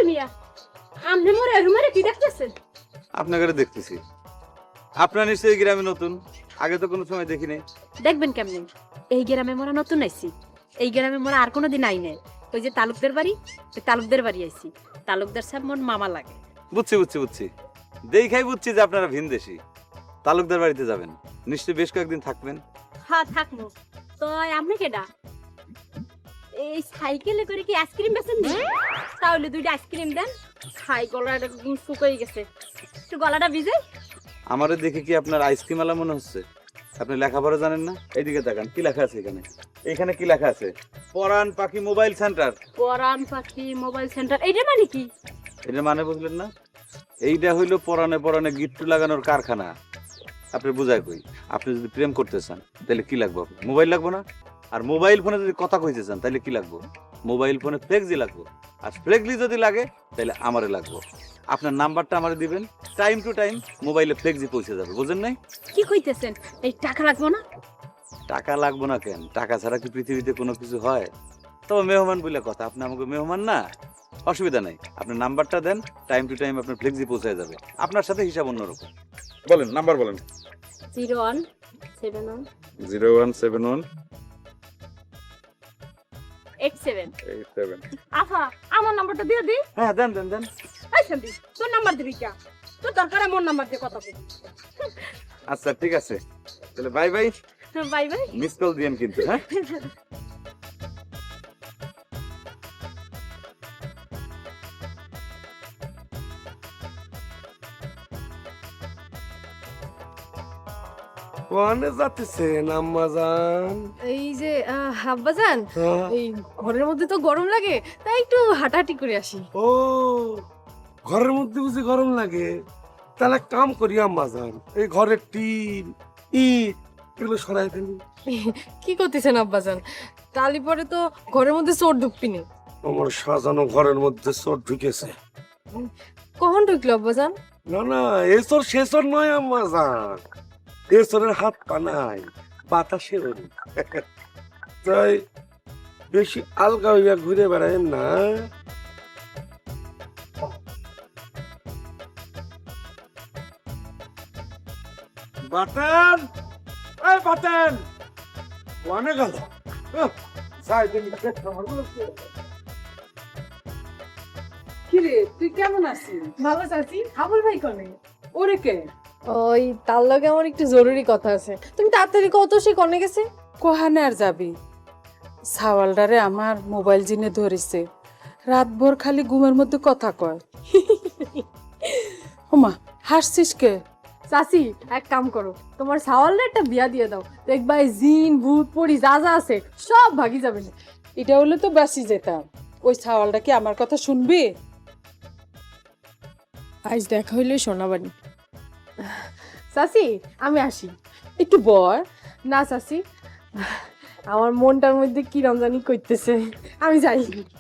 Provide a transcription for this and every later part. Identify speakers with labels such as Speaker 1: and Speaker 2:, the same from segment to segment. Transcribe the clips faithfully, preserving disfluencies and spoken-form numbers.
Speaker 1: মিয়া আমনে মোরে রুমারে কি দেখতেছেন?
Speaker 2: আপনাকে দেখতেছি। আপনার নিশ্চয়ই গ্রামে নতুন, আগে তো কোনো সময় দেখিনি।
Speaker 1: দেখবেন কেমনে, এই গ্রামে মোরা নতুন আইছি। এই গ্রামে মোরা আর কোনোদিন আই নাই। ওই যে তালুকদের বাড়ি, ওই তালুকদের বাড়ি আইছি। তালুকদার সাহেব মোর মামা লাগে।
Speaker 2: বুঝছি বুঝছি বুঝছি দেখাই বুঝছি যে আপনারা ভিনদেশি। তালুকদার বাড়িতে যাবেন, নিশ্চয়ই বেশ কয়েকদিন থাকবেন।
Speaker 1: হ্যাঁ থাকবো। তো আপনি কেডা? এই সাইকেলে করে কি আইসক্রিম বেচেন নি? তাহলে দুইটা আইসক্রিম দেন। খাই, গলাটা শুকিয়ে গেছে, একটু গলাটা ভিজে।
Speaker 2: আমারে দেখে কি আপনার আইসক্রিম আলা মনে হচ্ছে? আপনি লেখাপড়া জানেন না? এইদিকে তাকান, কি লেখা আছে এখানে? এখানে কি লেখা আছে? পরাণ পাখি মোবাইল সেন্টার।
Speaker 1: পরাণ পাখি মোবাইল সেন্টার, এইটা মানে কি?
Speaker 2: এটা মানে বুঝলেন না? এইটা হইলো পরাণে পরাণে গিট্টু লাগানোর কারখানা। আপনি বুঝাই কই, আপনি যদি প্রেম করতে চান তাহলে কি লাগবে? মোবাইল লাগবে না? আর মোবাইল ফোনে যদি কথা কইতে চান তাহলে কি লাগবে? মোবাইল ফোনে ফ্লেক্সি লাগবে। আর ফ্লেক্সি যদি লাগে তাহলে আমারে লাগবে। আপনার নাম্বারটা আমারে দিবেন, টাইম টু টাইম মোবাইলে ফ্লেক্সি পৌঁছে যাবে। বুঝেন নাই?
Speaker 1: কি কইতেছেন? এই টাকা লাগবে না?
Speaker 2: টাকা লাগবে না কেন? টাকা ছাড়া কি পৃথিবীতে কোনো কিছু হয়? তবে মেহমান বলে কথা, আপনি আমাকে মেহমান না, অসুবিধা নাই। আপনার নাম্বারটা দেন, টাইম টু টাইম আপনার ফ্লেক্সি পৌঁছে যাবে। আপনার সাথে হিসাব অন্যরকম। বলেন, নাম্বার বলেন।
Speaker 1: Zero one seven one
Speaker 2: zero one seven one
Speaker 1: eight seven
Speaker 2: eight seven.
Speaker 1: আফা, আমার নাম্বারটা দিয়ে দি।
Speaker 2: হ্যাঁ দেন দেন দেন।
Speaker 1: এই শান্তি, তোর নাম্বার দিবি কে? তোর দরকার আমার নাম্বার দিয়ে কথা বল।
Speaker 2: আচ্ছা ঠিক আছে, তাহলে bye bye.
Speaker 1: Bye bye.
Speaker 2: Miss call দিয়েন কিন্তু। হ্যাঁ
Speaker 3: কোনে যাচ্ছেন আম্মাজান?
Speaker 4: এই যে আহ, আব্বাজান,
Speaker 3: হ্যাঁ।
Speaker 4: এই ঘরের মধ্যে তো গরম লাগে, তাই একটু হাঁটাহাঁটি করে আসি।
Speaker 3: ও ঘরের মধ্যে বুঝি গরম লাগে? তাহলে এক কাম করি আম্মাজান, এই ঘরের টিন ইট এগুলো সরাই ফেলি।
Speaker 4: কি করতেছেন আব্বাজান? তালি পরে তো ঘরের মধ্যে চোর ঢুকবি না।
Speaker 3: আমার সাজানো ঘরের মধ্যে চোর ঢুকেছে।
Speaker 4: কখন ঢুকলো আব্বাজান?
Speaker 3: না না, এ চোর সে চোর নয় আম্মাজান, এ চোরের হাত পা নাই, বাতাসে ওড়ে। তাই বেশি আলগা হইয়া ঘুরে বেড়ায় না। বাটান, এই বাটান ওয়ানে গেল।
Speaker 5: কিরে তুই কেমন আছিস?
Speaker 4: ভালো আছি। হাবুল ভাই কনে?
Speaker 5: ওরে কে?
Speaker 4: ওই তার লগে আমার একটু জরুরি কথা আছে, তুমি তাড়াতাড়ি কত সে কনে গেছে?
Speaker 5: কোহানে আর যাবি? সাওয়ালডারে আমার মোবাইল জিনে ধরেছে, রাত ভোর খালি ঘুমের মধ্যে কথা কয়। ওমা হাসছিস কে?
Speaker 4: চাচি, এক কাম করো, তোমার সাওয়ালের একটা বিয়া দিয়ে দাও, দেখবা এই জিন ভূত পরি যা যা আছে সব ভাগি যাবে।
Speaker 5: এটা হলে তো বাঁচি যেতাম। ওই সাওয়ালটা কি আমার কথা শুনবি?
Speaker 4: আজ দেখা হইলে শোনাবানি। চাচি আমি আসি।
Speaker 5: একটু বয়।
Speaker 4: না চাচি, আমার মনটার মধ্যে কি রমজানি করতেছে, আমি যাই।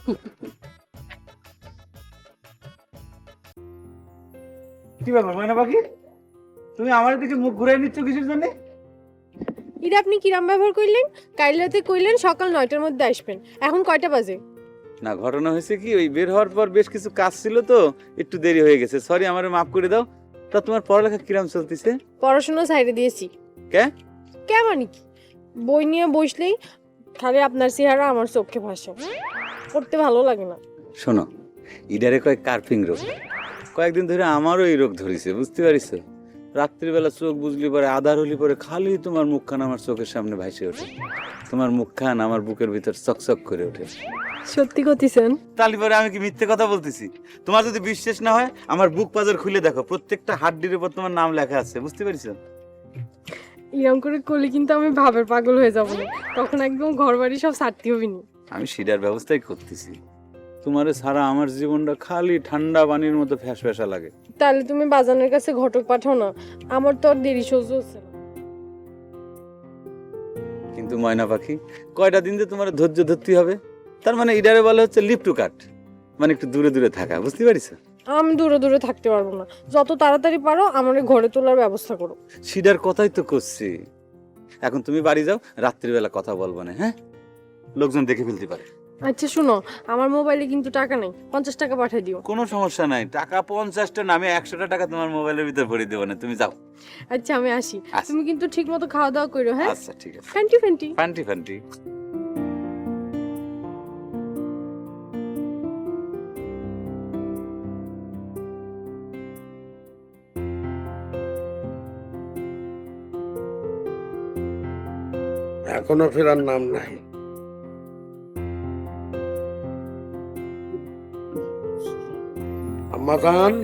Speaker 2: কি ব্যাপার ময়না পাখি, তুমি আমার দিকে মুখ ঘুরে নিচ্ছ কিসের জন্য?
Speaker 4: এটা আপনি কিরাম ব্যবহার করলেন? কাল রাতে কইলেন সকাল নয়টার মধ্যে আসবেন, এখন কয়টা বাজে?
Speaker 2: না, ঘটনা হয়েছে কি, ওই বের হওয়ার পর বেশ কিছু কাজ ছিল তো একটু দেরি হয়ে গেছে। সরি, আমারে মাফ করে দাও। তা তোমার পড়ালেখা কিরাম চলতেছে?
Speaker 4: পড়াশোনা সাইডে দিয়েছি।
Speaker 2: কে
Speaker 4: কে মানে কি, বই নিয়ে বসলেই খালি আপনার চেহারা আমার চোখে ভাসে, পড়তে ভালো লাগে না।
Speaker 2: শোনো, ইডারে কয় কার্পিং রোগ। কয়েকদিন ধরে আমারও এই রোগ ধরেছে, বুঝতে পারিস? রাত্রিবেলা চোখ বুঝলি পরে, আধার হলি পরে খালি তোমার মুখখান আমার চোখের সামনে ভাসে ওঠে। তোমার মুখখান আমার বুকের ভিতর চকচক করে ওঠে।
Speaker 4: সত্যি কইতেছেন?
Speaker 2: তালি পরে আমি কি মিথ্যে কথা বলতেছি? তোমার যদি বিশ্বাস না হয় আমার বুক পাজর খুলে দেখো, প্রত্যেকটা হাড্ডির উপর তোমার নাম লেখা আছে, বুঝতে পারিস?
Speaker 4: এরকম করে করলে কিন্তু আমি ভাবের পাগল হয়ে যাবো না, তখন একদম ঘর বাড়ি সব ছাড়তে হবে না।
Speaker 2: আমি সেটার ব্যবস্থাই করতেছি। তোমারে ছাড়া আমার জীবনটা খালি ঠান্ডা পানির মতো ফ্যাস ফ্যাসা লাগে।
Speaker 4: তাহলে তুমি বাজানের কাছে ঘটক পাঠাও না, আমার তো আর দেরি সহ্য হচ্ছে না।
Speaker 2: কিন্তু ময়না পাখি, কয়টা দিন যে তোমার ধৈর্য ধরতে হবে। তার মানে ইডারে বলে হচ্ছে লিপ টু কাট, মানে একটু দূরে দূরে থাকা, বুঝতে পারিস?
Speaker 4: আমি দূরে দূরে থাকতে পারবো না, যত তাড়াতাড়ি পারো আমার ঘরে তোলার ব্যবস্থা করো।
Speaker 2: সিডার কথাই তো করছি। এখন তুমি বাড়ি যাও, রাত্রিবেলা কথা বলবো না, হ্যাঁ? লোকজন দেখে ফেলতে পারে।
Speaker 4: আচ্ছা শুনো, আমার মোবাইলে কিন্তু টাকা নেই, পঞ্চাশ টাকা পাঠিয়ে দিও।
Speaker 2: কোনো সমস্যা নাই, টাকা পঞ্চাশটা না, আমি একশোটা টাকা তোমার মোবাইলের ভিতরে ভরে দেবো না, তুমি যাও।
Speaker 4: আচ্ছা আমি আসি,
Speaker 2: আচ্ছা।
Speaker 4: তুমি কিন্তু ঠিক মতো খাওয়া দাওয়া করো, হ্যাঁ?
Speaker 2: আচ্ছা ঠিক আছে।
Speaker 4: ফ্যান্টি ফ্যান্টি।
Speaker 2: ফান্টি ফান্টি।
Speaker 3: এখনো ফেরার নাম নাই। আম্মা জান,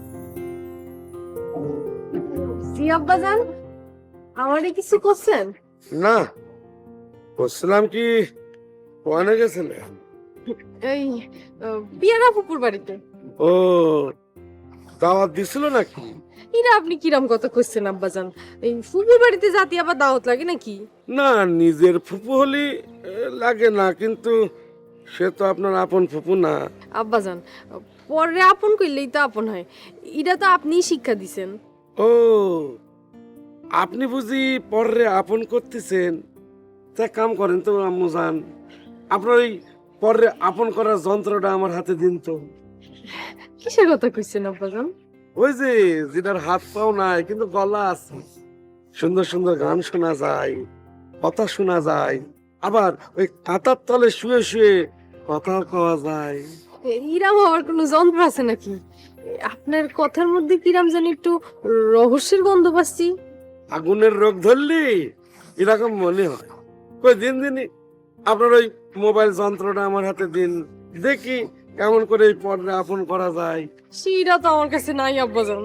Speaker 4: জি আব্বাজান, আমারে কিছু করছেন?
Speaker 3: না বলছিলাম কি ওখানে গেছিলেন?
Speaker 4: এই আহ, পিয়ারা ফুপুর বাড়িতে।
Speaker 3: ও দাওয়াত দিছিল নাকি?
Speaker 4: ইরা আপনি কিরাম কথা করছেন আব্বাজান? এই ফুপুর বাড়িতে জাতি আবার দাওয়াত লাগে নাকি?
Speaker 3: না, নিজের ফুপু হলি এ, লাগে না, কিন্তু সে তো আপনার আপন ফুপু না।
Speaker 4: আব্বাজান, পরে আপন করলেই তো আপন হয়, এটা তো আপনিই শিক্ষা দিছেন।
Speaker 3: ও আপনি বুঝি পরে আপন করতেছেন? তা কাম করেন তো আম্মু জান, আপনার ওই পরে আপন করার যন্ত্রটা আমার হাতে দিন তো।
Speaker 4: কিসের কথা কইছেন আব্বাজান?
Speaker 3: ওই যে যেটার হাত পাও নাই কিন্তু গলা আছে, সুন্দর সুন্দর গান শোনা যায়, কথা শোনা যায়, আবার ওই কাঁথার তলে শুয়ে শুয়ে কথা কওয়া যায়।
Speaker 4: ইরাম হওয়ার কোনো যন্ত্র আছে নাকি? আপনার কথার মধ্যে কিরাম জানি একটু রহস্যের গন্ধ পাচ্ছি।
Speaker 3: আগুনের রোগ ধরলি এরকম মনে হয়। কই দিন দিনই আপনার ওই মোবাইল যন্ত্রটা আমার হাতে দিন, দেখি কেমন করে এই পর্দা আপন করা যায়।
Speaker 4: সেটা তো আমার কাছে নাই আব্বাজান।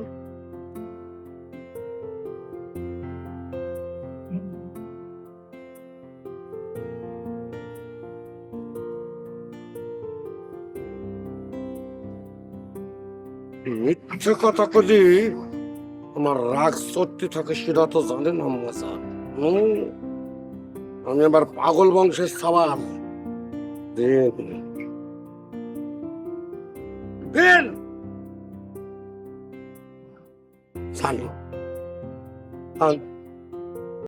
Speaker 3: মিথ্যে কথা কলি আমার রাগ সত্যি থাকে সেটা তো জানেন আম্মা জান। হুম, আমি আবার পাগল বংশের সবার দেন দেন জানি।